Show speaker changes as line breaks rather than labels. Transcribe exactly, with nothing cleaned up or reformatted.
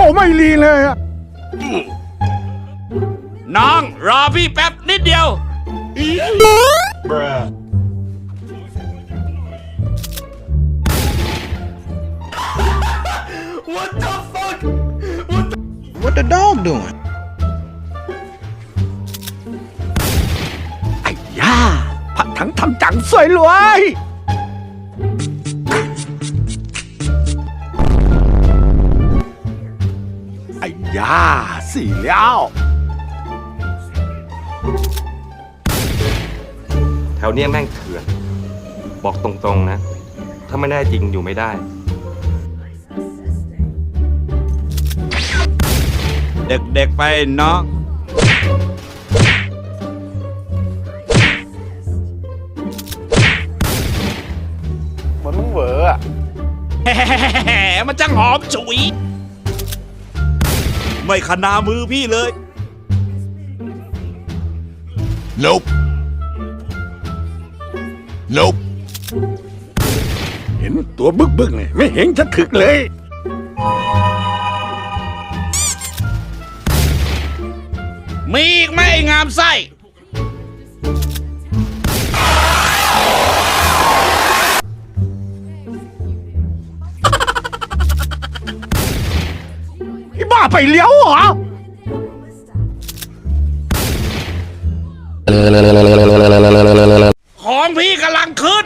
ไม่รีเลยอะ
น้องรอพี่แป๊บนิดเดียว
What the dog doing?
ไอ้ย่าผัดถังทำจังสวยรวย ไอ้ย่าสี่แล้ว
แถวเนี้ยแม่งเถื่อน บอกตรงๆนะ ถ้าไม่ได้จริงอยู่ไม่ได้
เด็กๆไปน้อง
เหมือนมึงเหวออะ
แหมมันจังหอมฉุย ไม่ขนามือพี่เลย
Nope Nope เห็นตัวบึกบึกเลยไม่เห็นจะถึกเลย
มีอีกไหมไอ้งามไส้
ไอ้บ้าไปเลี้ยวเหรอ
ของพี่กำลังขึ้น